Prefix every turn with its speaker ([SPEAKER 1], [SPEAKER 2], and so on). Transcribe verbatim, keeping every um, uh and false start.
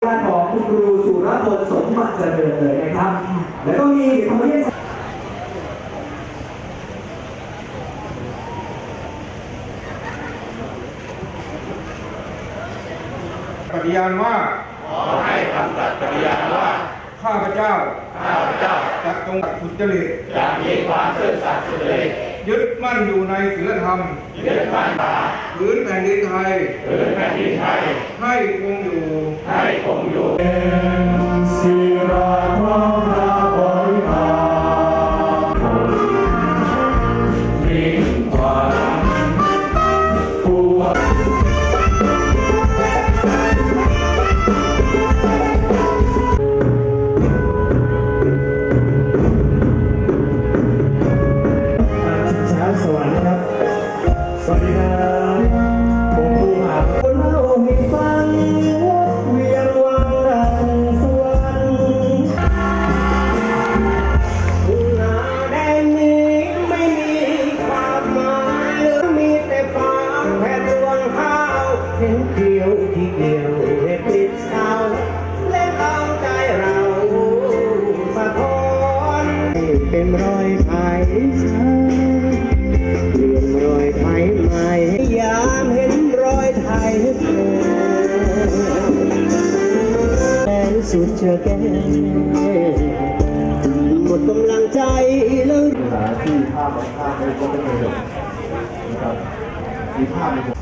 [SPEAKER 1] ด้านของคุณครูสุรพลสมบัติเจริญเลยนะครับแล้วก็มีขอเรียน
[SPEAKER 2] ปฏิญาณว่า
[SPEAKER 3] ขอให้คำสัตย์ปฏิญาณว่า
[SPEAKER 2] ข้าพเจ้า
[SPEAKER 3] ข้าพเจ้า
[SPEAKER 2] จะจงสุจริต
[SPEAKER 3] จะมีความซื่อสัตย์สุจริต
[SPEAKER 2] ยึดมั่นอยู่ในศีลธรรม
[SPEAKER 3] ยึดมั่น
[SPEAKER 2] พื้นแผ่นดินไทย
[SPEAKER 3] พื้นแผ่นดินไทย
[SPEAKER 2] ให้คงอยู่
[SPEAKER 3] ให้คงอยู่
[SPEAKER 1] ศิราพร้อมราบริหารมิ่งขวัญปวงสวัสดีครับสวัสดีครับผมผู้หาคนเล่าให้ฟังเวียนวังดังสวรรค์ทุ่งนาแดนนี้ไม่มีความหมายมีแต่ฟ้าแผ่นรวงข้าวเห็นเขียวที่เดียวเห็นติดเสาและเอาใจเราสะท้อนเป็นรอยไผ่เรียนรอยไทยใหม่ยามเห็นรอยไทยแสนสุดเชื่อแก่หมดกำลังใจแล้ว
[SPEAKER 4] เวลาที่ภาพบางภาพไม่ก็ไม่เคยจบนะครับมีภาพในหัว